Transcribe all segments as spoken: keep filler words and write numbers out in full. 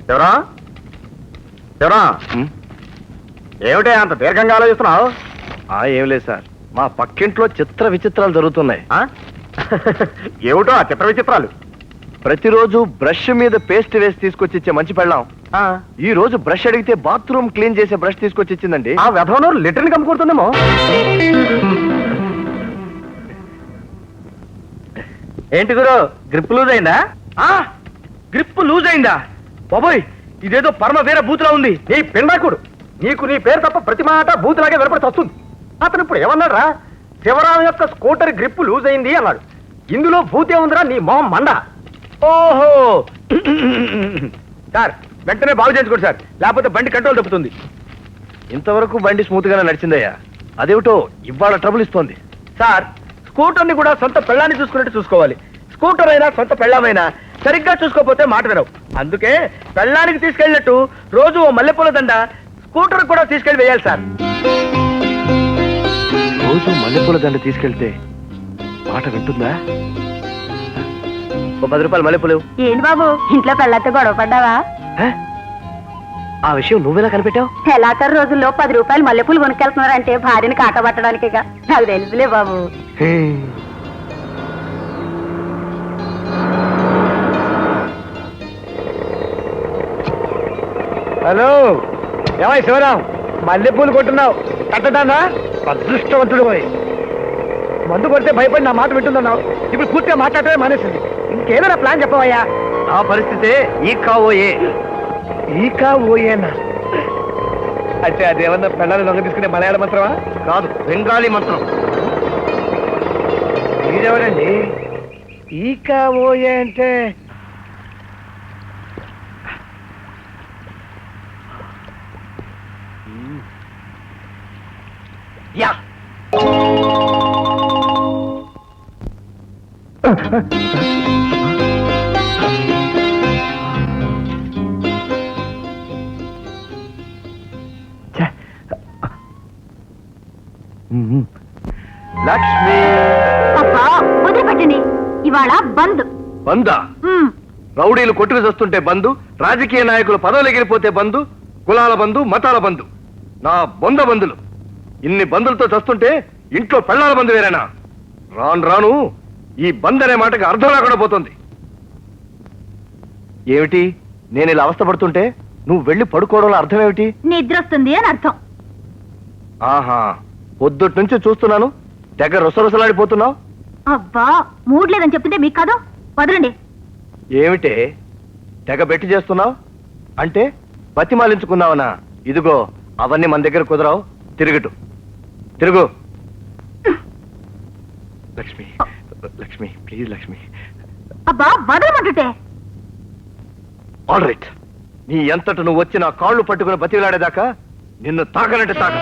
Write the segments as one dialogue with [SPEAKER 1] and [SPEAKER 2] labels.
[SPEAKER 1] ఎవరా ఎవరా ఏమిటే అంత దీర్ఘంగా ఆలోచిస్తున్నావు?
[SPEAKER 2] ఏం లేదు సార్, మా పక్కింట్లో చిత్ర విచిత్రాలు జరుగుతున్నాయి.
[SPEAKER 1] ఏమిటో ఆ చిత్ర విచిత్రాలు?
[SPEAKER 2] ప్రతిరోజు బ్రష్ మీద పేస్ట్ వేసి తీసుకొచ్చి ఇచ్చే మంచి పెళ్ళాం ఈ రోజు బ్రష్ అడిగితే బాత్రూమ్ క్లీన్ చేసే బ్రష్ తీసుకొచ్చి ఇచ్చిందండి.
[SPEAKER 1] ఆ వ్యధంలో లిటర్ని కమ్ముకుంటుందేమో.
[SPEAKER 3] ఏంటి గురు, గ్రిప్ లూజ్ అయిందా? గ్రిప్ లూజ్ అయిందా? బాబోయ్, ఇదేదో పరమ వేరే బూతులా ఉంది.
[SPEAKER 1] నీ పిండాకుడు, నీకు నీ పేరు తప్ప ప్రతి మాట బూతులాగే వినపడి వస్తుంది. అతను ఇప్పుడు ఏమన్నాడు రా? శివరాం యొక్క స్కూటర్ గ్రిప్ లూజ్ అయింది అన్నాడు. ఇందులో భూతే ఉందిరా నీ మొహం మండ.
[SPEAKER 3] ఓహో సార్, వెంటనే బాగు చేయించుకోండి సార్, లేకపోతే బండి కంట్రోల్ తప్పుతుంది.
[SPEAKER 2] ఇంతవరకు బండి స్మూత్ గానే నడిచిందయ్యా, అదేమిటో ఇవాళ ట్రబుల్ ఇస్తోంది.
[SPEAKER 3] సార్, స్కూటర్ని కూడా సొంత పెళ్ళాన్ని చూసుకున్నట్టు చూసుకోవాలి. స్కూటర్ అయినా సొంత పెళ్ళామైనా సరిగ్గా చూసుకోకపోతే మాట వినవు. అందుకే పెళ్ళానికి తీసుకెళ్ళినట్టు రోజు ఓ మల్లెపూల దండ స్కూటర్ కూడా తీసుకెళ్ళి వేయాలి సార్.
[SPEAKER 2] రోజు మల్లెపూల దండ తీసుకెళ్తే మాట వింటుందా?
[SPEAKER 3] ఓ పది రూపాయలు మల్లెపూలు.
[SPEAKER 4] ఏంటి బాబు, ఇంట్లో పెళ్ళతో గొడవ పడ్డావా?
[SPEAKER 2] ఆ విషయం నువ్వెలా కనిపెట్టావు?
[SPEAKER 4] నెలాఖరు రోజుల్లో పది రూపాయలు మల్లెపూలు కొనుక్కెళ్తున్నారంటే భార్యని కాకబట్టడానికి. నాకు తెలుసులే బాబు.
[SPEAKER 3] హలో, ఏమై శివరాం, మల్లెపూలు కొట్టున్నావు కట్టడానా? అదృష్టవంతుడు పోయి మందు కొడితే భయపడి నా మాట వింటుందన్నావు. ఇప్పుడు పూర్తిగా మాట్లాడటమే మానేసింది. ఇంకేదైనా ప్లాన్ చెప్పవయ్యా?
[SPEAKER 2] ఆ పరిస్థితే ఈ కావోయే.
[SPEAKER 3] ఈ కావోయేనా అంటే అదేమన్నా పెళ్ళాన్ని లొంగ తీసుకునే మలయాళ మంత్రమా?
[SPEAKER 2] కాదు, బెంగాలీ మంత్రం.
[SPEAKER 3] మీరెవరండి? ఈ కావోయే అంటే యా
[SPEAKER 2] లక్ష్మి.
[SPEAKER 4] అబ్బా వదిలిపెట్టండి, ఇవాళ బంద్.
[SPEAKER 2] బందా? రౌడీలు కొట్టుకు చస్తుంటే బంధు, రాజకీయ నాయకులు పదవులు ఎగిరిపోతే బంధు, కులాల బంధు, మతాల బంధు. నా బొంద బంధులు ఇన్ని బంధులతో చస్తుంటే ఇంట్లో పెళ్ళాల బంధు వేరేనా? రాను రాను ఈ బంద్ అనే మాటకి అర్థం రాకుండా పోతుంది. ఏమిటి, నేను ఇలా అవస్థపడుతుంటే నువ్వు వెళ్ళి పడుకోవడంలో అర్థం ఏమిటి?
[SPEAKER 4] నిద్ర వస్తుంది అని అర్థం.
[SPEAKER 2] ఆహా, పొద్దుటి నుంచి చూస్తున్నాను, దగ్గర రుసరుసలాడిపోతున్నావు.
[SPEAKER 4] అబ్బా, మూడ్ లేదని చెప్తుంటే మీకు కాదు, వదలండి.
[SPEAKER 2] ఏమిటే తెగ బెట్టి చేస్తున్నావు? అంటే బతిమాలించుకున్నావనా? ఇదిగో అవన్నీ మన దగ్గర కుదరావు, తిరుగుటు తిరుగు. లక్ష్మి, లక్ష్మి ప్లీజ్ లక్ష్మి.
[SPEAKER 4] అబ్బా వదలమంటుంటే.
[SPEAKER 2] ఆల్ రైట్, నీ ఎంతట నువ్వు వచ్చి నా కాళ్ళు పట్టుకుని బతిలాడేదాకా నిన్ను తాకనంటే తాక.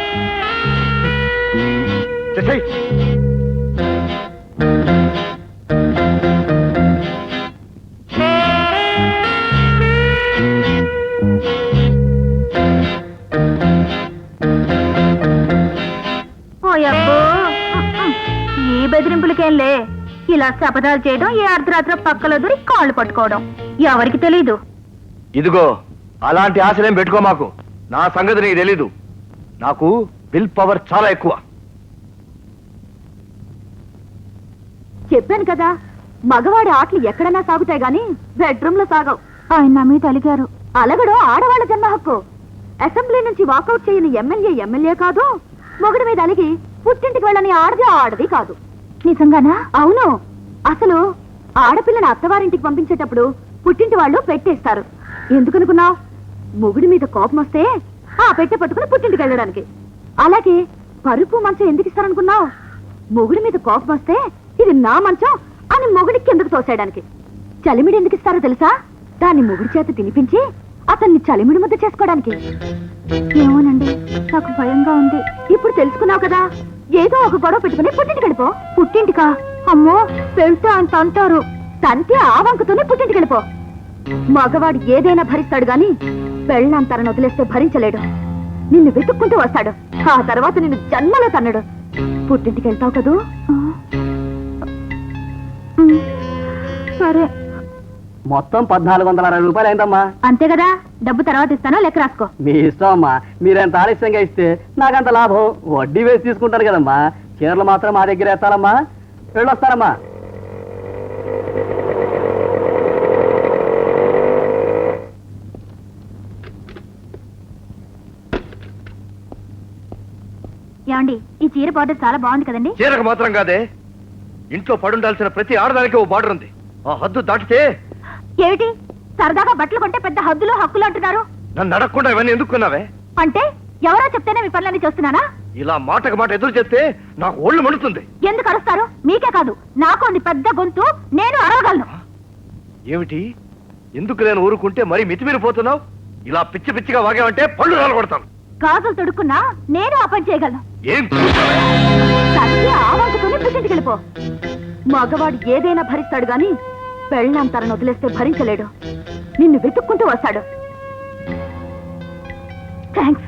[SPEAKER 4] ఓయబ్బో, ఈ బెదిరింపులకేంలే. ఇలా శపథాలు చేయడం, ఏ అర్ధరాత్రి పక్కలో దూరి కాళ్ళు పట్టుకోవడం ఎవరికి తెలీదు.
[SPEAKER 2] ఇదిగో అలాంటి ఆశలేం పెట్టుకో మాకు. నా సంగతి నీకు తెలీదు. నాకు విల్ పవర్ చాలా ఎక్కువ.
[SPEAKER 4] చెప్పాను కదా, మగవాడి ఆటలు ఎక్కడైనా సాగుతాయి గాని బెడ్రూమ్ లో సాగవు. ఆయన నా మీద అలిగారు. అలగడం ఆడవాళ్ళ జన్మ హక్కు. అసెంబ్లీ నుంచి వాకౌట్ చేయని ఎమ్మెల్యే ఎమ్మెల్యే కాదు, మొగుడి మీద అలిగి పుట్టింటికి వెళ్ళని ఆడది ఆడది కాదు. నిజంగానా? అవును. అసలు ఆడపిల్లని అత్తవారింటికి పంపించేటప్పుడు పుట్టింటి వాళ్ళు పెట్టేస్తారు. ఎందుకనుకున్నావు? మొగుడి మీద కోపం వస్తే ఆ పెట్టె పట్టుకుని పుట్టింటికి వెళ్ళడానికి. అలాగే పరుపు మంచం ఎందుకు ఇస్తారనుకున్నావు? మొగుడి మీద కోపం వస్తే ఇది నా మంచం అని మొగుడికి కిందకు తోసేయడానికి. చలిమిడి ఎందుకు ఇస్తారో తెలుసా? దాన్ని మొగుడి చేత తినిపించి అతన్ని చలిమిడి ముద్ద చేసుకోవడానికి. ఏమోనండి, నాకు భయంగా ఉంది. ఇప్పుడు తెలుసుకున్నావు కదా, ఏదో ఒక గొడవ పెట్టుకుని పుట్టింటికి వెళ్ళిపో. పుట్టింటికా? అమ్మో, వెళ్తే అంత అంటారు. తంతే ఆ వంకతోనే పుట్టింటికి వెళ్ళిపో. మగవాడు ఏదైనా భరిస్తాడు గాని పెళ్ళంతరను వదిలేస్తే భరించలేడు. నిన్ను వెతుక్కుంటూ వస్తాడు. ఆ తర్వాత నిన్ను జన్మలో తన్నడు. పుట్టింటికి వెళ్తావు కదూ? సరే.
[SPEAKER 1] మొత్తం పద్నాలుగు వందల అరవై రూపాయలు అయిందమ్మా.
[SPEAKER 4] అంతే కదా, డబ్బు తర్వాత ఇస్తానో లెక్క రాసుకో.
[SPEAKER 1] మీ ఇష్టం అమ్మా, మీరెంత ఆలస్యంగా ఇస్తే నాకంత లాభం. వడ్డీ వేసి తీసుకుంటారు కదమ్మా. చీరలు మాత్రం మా దగ్గర ఎత్తాలమ్మా. వెళ్ళొస్తారమ్మా.
[SPEAKER 4] ఏమండి, ఈ చీర బార్డర్ చాలా బాగుంది కదండి.
[SPEAKER 2] చీరకు మాత్రం కాదే, ఇంట్లో పడుండాల్సిన ప్రతి ఆడదానికి ఓ బార్డర్ ఉంది. ఆ హద్దు దాటితే
[SPEAKER 4] ఏమిటి సరదాగా బట్టలు కొంటే పెద్ద హద్దులు హక్కులు అంటున్నారు?
[SPEAKER 2] నన్ను అడగకుండా ఇవన్నీ ఎందుకున్నావే?
[SPEAKER 4] అంటే ఎవరో చెప్తేనే మీ పనులన్నీ చేస్తున్నానా?
[SPEAKER 2] ఇలా మాటకు మాట ఎదురు చేస్తే నాకు ఒళ్ళు మండుతుంది.
[SPEAKER 4] ఎందుకు అరుస్తారు? మీకే కాదు, నాకు ఉంది పెద్ద గొంతు, నేను అరవగలను.
[SPEAKER 2] ఏమిటి, ఎందుకు నేను ఊరుకుంటే మరీ మితిమీరిపోతున్నావు? ఇలా పిచ్చి పిచ్చిగా వాగావంటే పళ్ళు రాలగొడతాను.
[SPEAKER 4] గాజులు తొడుక్కున్నా నేను ఆ పని చేయగలను.
[SPEAKER 2] ఏం
[SPEAKER 4] తల్లి ఆ వంకతోనే పుట్టింటికి వెళ్ళిపో. మగవాడు ఏదైనా భరిస్తాడు గాని పెళ్ళాం తనను వదిలేస్తే భరించలేడు. నిన్ను వెతుక్కుంటూ వస్తాడు. థ్యాంక్స్.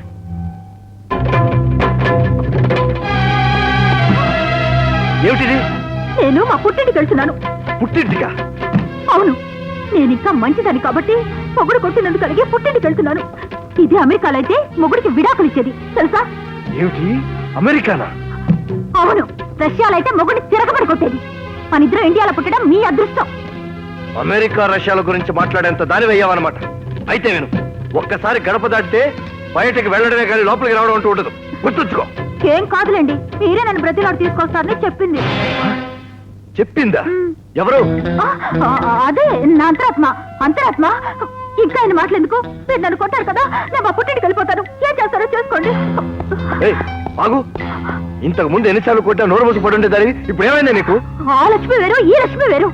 [SPEAKER 2] ఏమిటిది?
[SPEAKER 4] నేను మా పుట్టింటికి వెళ్తున్నాను.
[SPEAKER 2] పుట్టింటిగా?
[SPEAKER 4] అవును, నేను ఇంకా మంచిదని కాబట్టి మొగుడు కొట్టినందుకు కలిగి పుట్టింటికి వెళ్తున్నాను. ఇది అమెరికాలో అయితే మొగుడికి విడాకులు ఇచ్చేది తెలుసా?
[SPEAKER 2] ఏమిటి, అమెరికానా?
[SPEAKER 4] అవును, రష్యాలో అయితే మొగుడిని తిరగబడి కొట్టేది. మన ఇద్దరు ఇండియాలో పుట్టడం మీ అదృష్టం.
[SPEAKER 2] అమెరికా రష్యాల గురించి మాట్లాడేంత దాని వెయ్యావన్నమాట. అయితే నేను ఒక్కసారి గడప దాటితే బయటకు వెళ్ళడమే కానీ లోపలికి రావడం అంటూ ఉండదు. గుర్తుంచుకో.
[SPEAKER 4] ఏం కాదులేండి, మీరే నన్ను ప్రతిలాడు తీసుకొస్తారని చెప్పింది.
[SPEAKER 2] చెప్పిందా?
[SPEAKER 4] మ్.
[SPEAKER 2] ఎవరు?
[SPEAKER 4] ఆ, ఆ, అదే నా అంతరాత్మ. అంతరాత్మ ఇంకా ఆయన మాట్లాడేందుకు? మీరు నన్ను కొట్టారు కదా, నేను మా పుట్టింటికి వెళ్ళిపోతాను. ఏం చేస్తారో చేసుకోండి.
[SPEAKER 2] ఏయ్, ఆగు. ఇంతకు ముందు ఎన్నిసార్లు కొట్టా నోరు మూసి పడుండే దాని ఇప్పుడు ఏమైందా నీకు?
[SPEAKER 4] ఆ లక్ష్మి వేరు, ఈ లక్ష్మి వేరు.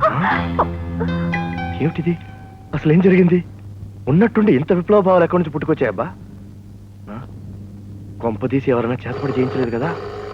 [SPEAKER 2] ఏమిటిది? అసలు ఏం జరిగింది? ఉన్నట్టుండి ఇంత విప్లవ భావాలు ఎక్కడి నుంచి పుట్టుకొచ్చాయబ్బా? ఆ? కొంప తీసి ఎవరైనా చేతపడి చేయించలేదు కదా?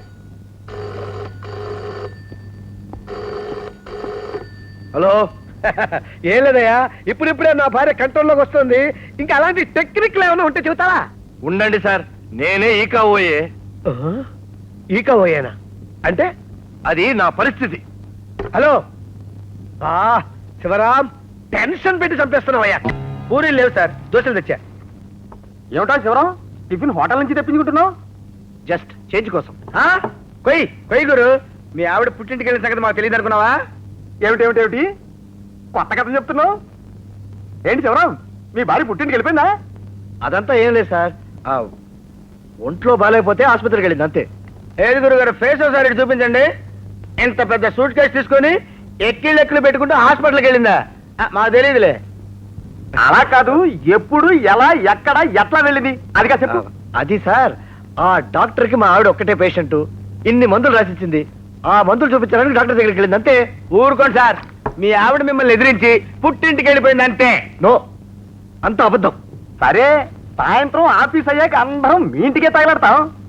[SPEAKER 3] హలో. ఏం లేదయ్యా, ఇప్పుడిప్పుడే నా భార్య కంట్రోల్లోకి వస్తుంది. ఇంకా అలాంటి టెక్నిక్లు ఏమైనా ఉంటే చెబుతావా?
[SPEAKER 2] ఉండండి సార్, నేనే ఈ కాబోయే.
[SPEAKER 3] ఈక పోయానా అంటే?
[SPEAKER 2] అది నా పరిస్థితి.
[SPEAKER 3] హలో. ఆ శివరాం, టెన్షన్ పెట్టి చంపేస్తున్నావయ్యా. పూరీలు లేవు సార్, దోశలు తెచ్చా.
[SPEAKER 1] ఏమిటా శివరాం, టిఫిన్ హోటల్ నుంచి తెప్పించుకుంటున్నావు?
[SPEAKER 2] జస్ట్ చేంజ్ కోసం.
[SPEAKER 3] ఆ? కొయ్ కొయ్ గురు, మీ ఆవిడ పుట్టింటికి వెళ్ళిన సంగతి మాకు తెలియదు అనుకున్నావా?
[SPEAKER 1] ఏమిటేమిటేమిటి కొత్త కథ చెప్తున్నావు? ఏంటి శివరాం, మీ భార్య పుట్టింటికి వెళ్ళిపోయిందా?
[SPEAKER 2] అదంతా ఏం లేదు సార్, ఆ ఒంట్లో బాగాలేకపోతే ఆసుపత్రికి వెళ్ళింది అంతే.
[SPEAKER 3] ఏది గురుగారు, ఫేస్ ఒకసారి ఇటు చూపించండి. ఇంత పెద్ద సూట్ కేసు తీసుకొని ఎక్కిళ్ళు ఎక్కిళ్ళు పెట్టుకుంటూ హాస్పిటల్కి వెళ్ళిందా? ఆ, మాకు తెలియదులే.
[SPEAKER 1] అలా కాదు, ఎప్పుడు ఎలా ఎక్కడ ఎట్లా వెళ్ళింది అదిగా చెప్పు.
[SPEAKER 2] అది సార్, ఆ డాక్టర్ కి మా ఆవిడ ఒక్కటే పేషెంట్, ఇన్ని మందులు రాసిచ్చింది. ఆ మందులు చూపించడానికి డాక్టర్ దగ్గరికి వెళ్ళింది అంతే.
[SPEAKER 3] ఊరుకోండి సార్, మీ ఆవిడ మిమ్మల్ని ఎదిరించి పుట్టింటికి వెళ్ళిపోయింది అంతే.
[SPEAKER 2] నో, అంత అబద్ధం.
[SPEAKER 1] సరే, సాయంత్రం ఆఫీస్ అయ్యాక అందరం మీ ఇంటికే తగలడతాం.